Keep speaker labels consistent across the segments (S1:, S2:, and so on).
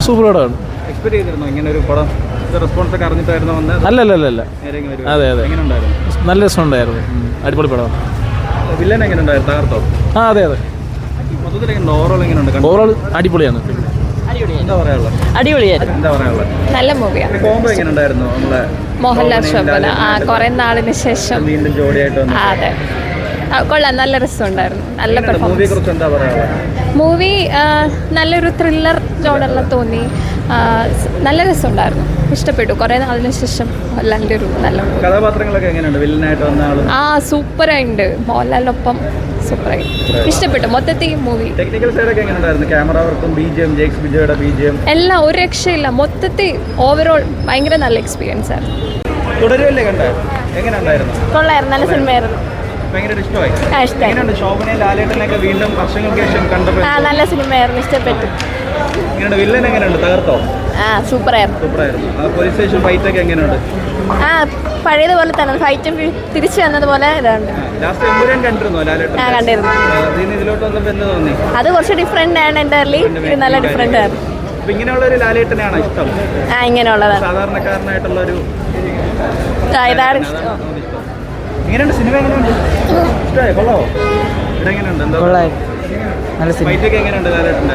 S1: Super പടമാണ്.
S2: Expect ചെയ്തിരുന്നോ ഇങ്ങനെ ഒരു പടം? റെസ്പോൺസ് ഒക്കെ അറിഞ്ഞിട്ടായിരുന്നു വന്നത്?
S1: അല്ല, അതെ, നല്ല രസമുണ്ടായിരുന്നു. അടിപൊളി പടം.
S2: വില്ലൻ എങ്ങനെ ഉണ്ടായിരുന്നു? തകർത്തോ?
S1: അതെ.
S2: മൊത്തത്തിൽ ഓവറോൾ എങ്ങനെയുണ്ട്?
S1: ഓവറോൾ അടിപൊളിയാണ്.
S3: അടിപൊളിയായിരുന്നു.
S2: എന്താ പറയാനുള്ളത്?
S3: നല്ല മൂവിയാണ്.
S2: കോംബോ എങ്ങനെ ഉണ്ടായിരുന്നു? നമ്മളെ
S3: മോഹൻലാൽ ശോഭന കുറെ നാളിന് ശേഷം
S2: വീണ്ടും ജോഡിയായിട്ട് വന്നു.
S3: അതെ, കൊള്ളാം. നല്ല രസമുണ്ടായിരുന്നു. നല്ല പെർഫോമൻസ്.
S2: എന്താ പറയാനുള്ളത്?
S3: മൂവി നല്ലൊരു ത്രില്ലർ ജോണറിൽ തോന്നി. നല്ല രസമുണ്ടായിരുന്നു. ഇഷ്ടപ്പെട്ടു. കുറേ നാളിന് ശേഷം മോഹൻലാലിൻ്റെ ഒരു നല്ല
S2: കഥാപാത്രങ്ങളൊക്കെ എങ്ങനെയുണ്ട്? വില്ലനായിട്ട് വന്ന ആളും
S3: സൂപ്പറായിട്ടുണ്ട്. മോഹൻലാലിനൊപ്പം സൂപ്പറായി. ഇഷ്ടപ്പെട്ടു മൊത്തത്തിൽ മൂവി.
S2: ടെക്നിക്കൽ സൈഡൊക്കെ എങ്ങനെയുണ്ടായിരുന്നു? ക്യാമറ വർക്കും BGM, ജെയ്ക്സ് ബിജോയുടെ BGM
S3: എല്ലാം ഒരു രക്ഷയില്ല. മൊത്തത്തിൽ ഓവറോൾ ഭയങ്കര നല്ല എക്സ്പീരിയൻസ് ആയിരുന്നു.
S2: തുടരുമല്ലേ കണ്ടത്? എങ്ങനെയുണ്ടായിരുന്നു?
S3: കൊള്ളായിരുന്നു. നല്ല സിനിമയായിരുന്നു.
S2: ഭയങ്കര ഇഷ്ടമായി.
S3: ഇഷ്ടമായി.
S2: എങ്ങനെയുണ്ട്? ശോഭനയും ലാലേട്ടനൊക്കെ വീണ്ടും വർഷങ്ങൾക്ക് ശേഷം കണ്ടപ്പോൾ
S3: നല്ല സിനിമയായിരുന്നു. ഇഷ്ടപ്പെട്ടു.
S2: എങ്ങനെയുണ്ട്? വില്ലൻ എങ്ങനെയുണ്ട്? തകർത്തോ?
S3: സൂപ്പറായിരുന്നു.
S2: പോലീസ് സ്റ്റേഷൻ ഫൈറ്റ് ഒക്കെ എങ്ങനെയുണ്ട്?
S3: പഴയതുപോലെ തന്നെ ഫൈറ്റും തിരിച്ചു വന്നതുപോലെ ഇതാണ്.
S2: ലാസ്റ്റ് എമ്പുരാൻ കണ്ടിരുന്നോ ലാലേട്ടൻ?
S3: കണ്ടിരുന്നു.
S2: ഇതിലോട്ട് വന്നപ്പോൾ എന്ത് തോന്നി?
S3: അത് കുറച്ച് ഡിഫറെന്റ് ആണ്. എൻ്റർലി ഇത് നല്ല ഡിഫറെന്റ് ആയിരുന്നു.
S2: അപ്പൊ ഇങ്ങനെയുള്ള ഒരു ലാലേട്ടനെയാണോ ഇഷ്ടം?
S3: ഇങ്ങനെയുള്ളതാണ്.
S2: സാധാരണക്കാരനായിട്ടുള്ള ഒരു
S3: ഇതാണ് ഇഷ്ടം.
S2: എങ്ങനെയുണ്ട്? സിനിമ എങ്ങനെയുണ്ട്? ഇഷ്ടമായി? കൊള്ളാവോ? ഇവിടെ എങ്ങനെയുണ്ട്? എന്താ ഫൈറ്റൊക്കെ എങ്ങനെയുണ്ട് ലാലേട്ടൻ്റെ?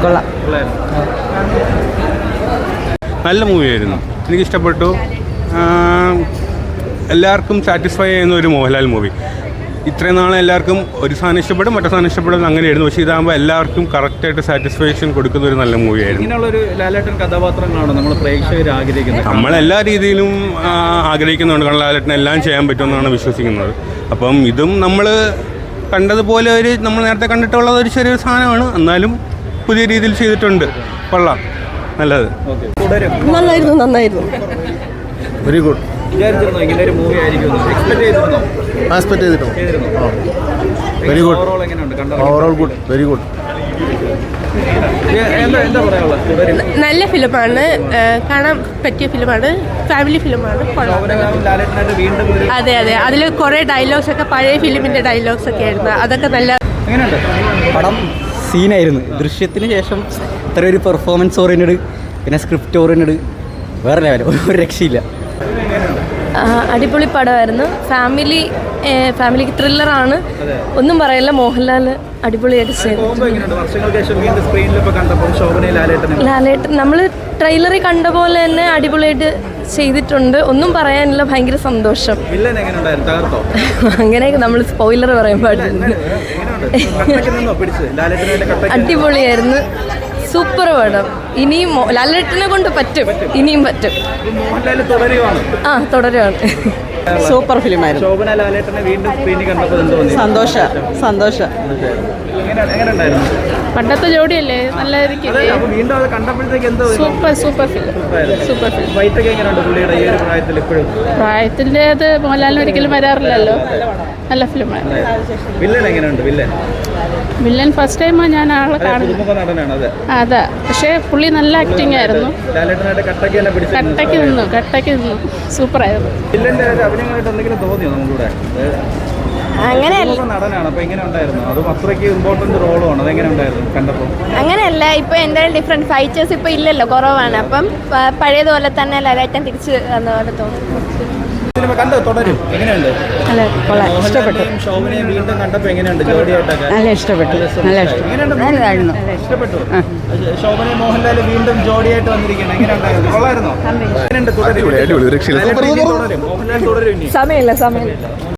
S4: നല്ല മൂവിയായിരുന്നു. എനിക്കിഷ്ടപ്പെട്ടു. എല്ലാവർക്കും സാറ്റിസ്ഫൈ ചെയ്യുന്ന ഒരു മോഹൻലാൽ മൂവി. ഇത്രയും നാളെ എല്ലാവർക്കും ഒരു സാധനം ഇഷ്ടപ്പെടും, മറ്റേ സാധനം ഇഷ്ടപ്പെടും, അങ്ങനെയായിരുന്നു. പക്ഷേ ഇതാകുമ്പോൾ എല്ലാവർക്കും കറക്റ്റായിട്ട് സാറ്റിസ്ഫാക്ഷൻ കൊടുക്കുന്ന ഒരു നല്ല മൂവിയായിരുന്നു.
S2: ഇങ്ങനെയുള്ളൊരു ലാലേട്ടൻ കഥാപാത്രങ്ങളാണ് നമ്മൾ പ്രേക്ഷകർ ആഗ്രഹിക്കുന്നത്.
S4: നമ്മളെല്ലാ രീതിയിലും ആഗ്രഹിക്കുന്നുണ്ട്. കാരണം ലാലേട്ടൻ എല്ലാം ചെയ്യാൻ പറ്റുമെന്നാണ് വിശ്വസിക്കുന്നത്. അപ്പം ഇതും നമ്മൾ കണ്ടതുപോലെ നമ്മൾ നേരത്തെ കണ്ടിട്ടുള്ളത് ഒരു ചെറിയൊരു സാധനമാണ്. എന്നാലും പുതിയ രീതിയിൽ ചെയ്തിട്ടുണ്ട്. കൊള്ളാം. നല്ലത്.
S3: നന്നായിരുന്നു.
S1: Very good.
S2: വിചാരിച്ചിരുന്നോ ഇങ്ങനെ ഒരു മൂവി ആയിരിക്കും? എക്സ്പെക്ട് ചെയ്തിരുന്നോ?
S1: Very good.
S2: ഓവറോൾ എങ്ങനെയുണ്ട്?
S1: Overall good. Very good.
S2: എന്താ പറയാനുള്ളത്?
S5: നല്ല ഫിലിമാണ്. കാണാൻ പറ്റിയ ഫിലിമാണ്. ഫാമിലി ഫിലിമാണ്. അതെ. അതിൽ കുറേ ഡയലോഗ്സ് ഒക്കെ പഴയ ഫിലിമിൻ്റെ ഡയലോഗ്സ് ഒക്കെ ആയിരുന്നു. അതൊക്കെ നല്ല.
S2: എങ്ങനെയുണ്ട്
S6: പടം? സീനായിരുന്നു. ദൃശ്യത്തിന് ശേഷം ഇത്ര ഒരു പെർഫോമൻസ് ഓറിയൻറ്റഡ്, പിന്നെ സ്ക്രിപ്റ്റ് ഓറിയൻറ്റഡ്, വേറെ ലെവൽ. ഒരു രക്ഷയില്ല.
S3: അടിപൊളി പടമായിരുന്നു. ഫാമിലിക്ക് ത്രില്ലറാണ്. ഒന്നും പറയില്ല. മോഹൻലാൽ അടിപൊളിയായിട്ട് ചെയ്തു. ലാലേട്ടൻ നമ്മൾ ട്രെയിലറിൽ കണ്ട പോലെ തന്നെ അടിപൊളിയായിട്ട് ചെയ്തിട്ടുണ്ട്. ഒന്നും പറയാനില്ല. ഭയങ്കര സന്തോഷം. അങ്ങനെയൊക്കെ നമ്മൾ സ്പോയിലർ പറയാൻ പാടില്ല. അടിപൊളിയായിരുന്നു. സൂപ്പർ പടം. ഇനിയും ലാലേട്ടനെ കൊണ്ട് പറ്റും. ഇനിയും പറ്റും. തുടരുവാണ്.
S6: സൂപ്പർ ഫിലിമായിരുന്നു.
S2: ശോഭന ലാലേട്ടനെ വീണ്ടും സ്ക്രീനിൽ കണ്ടപ്പോൾ
S6: സന്തോഷം.
S5: പണ്ടത്തെ ജോഡിയല്ലേ? നല്ല
S2: വീണ്ടും അത് കണ്ടപ്പോഴത്തേക്ക് എന്തോ
S5: സൂപ്പർ ഫിലിം.
S2: ഫൈറ്റൊക്കെ എങ്ങനെയുണ്ട് പുള്ളിയുടെ ഈ ഒരു പ്രായത്തിൽ? ഇപ്പോഴും
S5: പ്രായത്തിൻ്റെ അത് മോഹൻലാലിന് ഒരിക്കലും വരാറില്ലല്ലോ. നല്ല ഫിലിമാണ്.
S2: വില്ലൻ എങ്ങനെയുണ്ട്?
S5: വില്ലൻ ഫസ്റ്റ് ടൈമാണ് ഞാൻ ആളെ കാണുന്നത്. അതാ. പക്ഷേ പുള്ളി നല്ല ആക്ടിങ് ആയിരുന്നു. കട്ടയ്ക്ക് നിന്നു. സൂപ്പറായിരുന്നു.
S3: അങ്ങനെയല്ല. ഇപ്പൊ എന്തായാലും ഡിഫറെന്റ് ഫൈറ്റേഴ്സ് ഇപ്പൊ ഇല്ലല്ലോ, കുറവാണ്. അപ്പം പഴയതുപോലെ തന്നെ ലാലേട്ടൻ തിരിച്ച് വന്ന പോലെ തോന്നുന്നു.
S6: ഇഷ്ടപ്പെട്ടു. നല്ല ഇഷ്ടപ്പെട്ടു.
S2: ശോഭനയും മോഹൻലാൽ വീണ്ടും ജോഡിയായിട്ട് വന്നിരിക്കുകയാണ്. എങ്ങനെയുണ്ടായിരുന്നു? കൊള്ളായിരുന്നോ?
S3: സമയമില്ല.